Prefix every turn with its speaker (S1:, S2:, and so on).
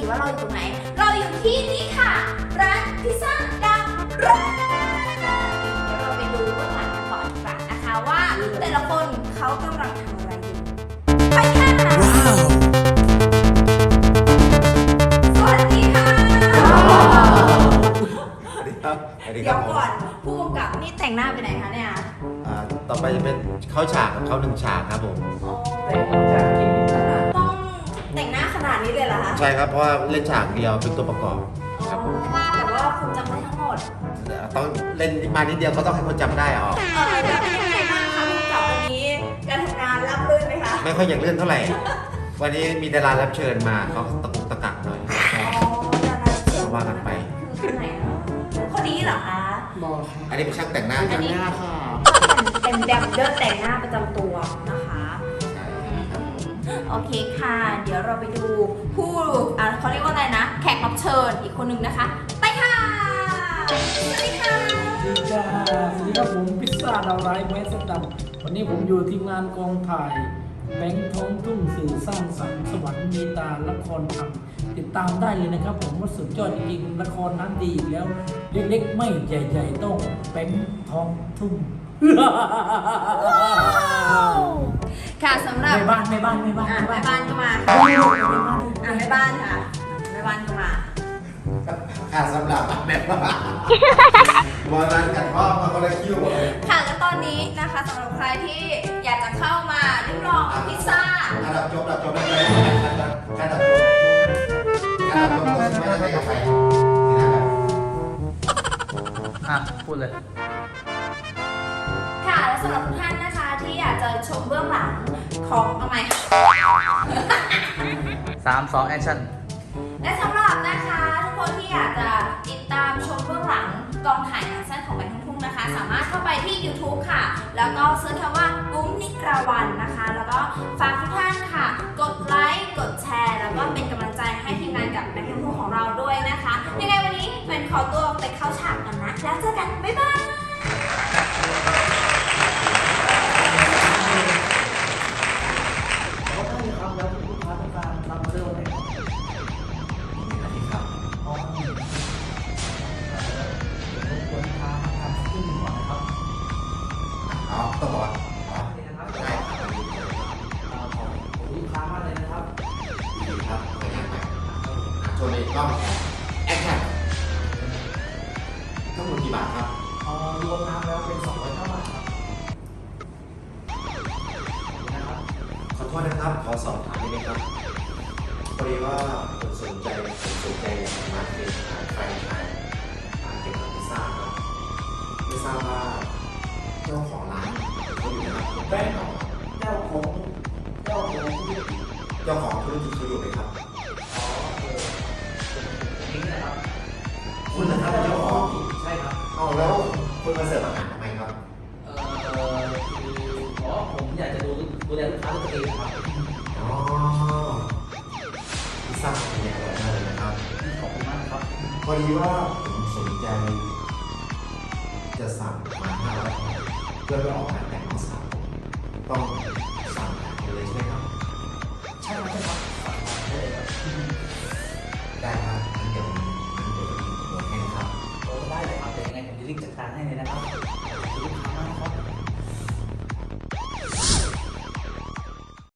S1: ว่าเราอยู่ตรงไหนเราอยู่ที่นี่ค่ะร้านพิซซ่าดังร้านเดี๋ยวเราไปดูเบื้องหลังกันก่อนดีกว่านะคะว่าแต่ละคนเขากำลังทำอะไรอยู่ไปค่ะสวัสดีค่ะเดี๋ยวก่อนผู้กำกับนี่แต่งหน้าไปไหนคะเนี่ย
S2: ต่อไปจะเป็นเข้าฉากกับเข้า1 ฉากครับผม
S1: ต้องแต่งหน้าขนาดนี้เลยเหรอคะ
S2: ใช่ครับเพราะว่าเล่นฉากเดียวเป็นตัวประกอบครับ
S1: แต่ว่าคุณจำได้ทั้งหมด
S2: ต้องเล่นมานิดเดียวก็ต้องให้คนจำได้ออก
S1: แล้วเป็นยังไงบ้างคะผู้กำกับวันนี้การทำงานราบรื่นไหมคะ
S2: ไม่ค่อยอยากเลื่อนเท่าไหร่วันนี้มีดารารับเชิญมาเขาตะกุกตะกักหน่อยว่ากันไป
S1: คือไหนคนนี้เหรอคะ
S3: บอกค่ะ
S2: อันนี้เป็นช่างแต่งหน้า
S3: แต่งหน้าค่ะ
S1: เป็นแดมเดอร์แต่งหน้าประจำตัวนะคะโอเคค่ะเดี๋ยวเราไปดูผู้เขาเรียกว่าอะไรนะแขกรับเชิญอีกคนหนึ่งนะคะไปค่ะสวัสดีค่ะ
S3: สวัสดีค่ะสวัสดีครับผมพิซซ่าดาวไร้ไม้สตัมวันนี้ผมอยู่ทีมงานกองถ่ายแบงค์ท้องทุ่งสื่อสร้างสรรค์สวรรค์มีตาละครทำติดตามได้เลยนะครับผมว่าสุดยอดจริงๆละครนั้นดีอีกแล้วเล็กๆไม่ใหญ่ๆต้องแบงค์ท้องทุ่ง
S1: ค่ะสำหรับ
S3: แม่บ้าน
S1: ก็มาแม่บ้านค่ะแม่บ้านค่ะแม่บ้
S2: านสำหรับแม่บ้านวันนั้นกันพ่อมาคนละคิวเลย
S1: ค่ะและตอนนี้นะคะสำหรับใครที่อยากจะเข้ามาริมลองพิซซ่า
S2: ดับจบได้เลยการดับจบไม่ได้กาแฟ
S3: พูดเลย
S1: ค่ะและสำหรับทุกท่านนะคะที่อยากจะชมเบื้องหลังของทำไม
S3: 3 2 แอคชั่น
S1: และสำหรับนะคะทุกคนที่อยากจะติดตามชมเบื้องหลังกองถ่ายหนังสั้นของแบงค์ทุ่งนะคะสามารถเข้าไปที่ YouTube ค่ะแล้วก็เสิร์ชคำว่ากุ้งนิกราวันนะคะแล้วก็ฝากทุกท่านค่ะกดไลค์กดแชร์แล้วก็เป็นกำลังใจให้ทีมงานกับแบงค์ทุ่งของเราด้วยนะคะยังไงวันนี้เป็นขอตัวไปเข้าฉากกันนะแล้วเจอกันบ๊ายบาย
S2: ต้องบอก
S3: ได้ครับผมลูกค้ามากเลยนะครับ
S2: ดีครับไปงานไปโชว์ในกล้องแอคชั่นทั้งหมดกี่บาทครับ
S3: รวมน้ำแล้วเป็น209 บาทครับ
S2: ขอโทษนะครับขอสอบถามนิดนึงครับพอดีว่าผมสนใจอยากมาเป็นแฟรนไชส์เกี่ยวกับพิซซ่าครับไม่ทราบว่าเจ้าของร้านเขาอยู่นะครับ
S3: แบงค์เจ้าของ
S2: ธุรกิจเขาอยู่ไหมครับ
S3: นี่แหละครับ
S2: คุณนะครับเจ้าของ
S3: ใช่ครับ
S2: เอาแล้วคุณมาเสิร์ฟอาหารทำไมครับ
S3: ผมอยากจะดูแลลูกค้าตัวเองครับ
S2: พิซซ่าเป็นอย่างอร่อยมากเลยนะครับ
S3: ขอบคุณมากครับ
S2: พอดีว่าผมสนใจจะสั่งมา500 เพื่อไปออกงานแต่งน้องสาวต้องสั่งเลยใช่ไหมครับ
S3: ใช่ครับได้เลยครับ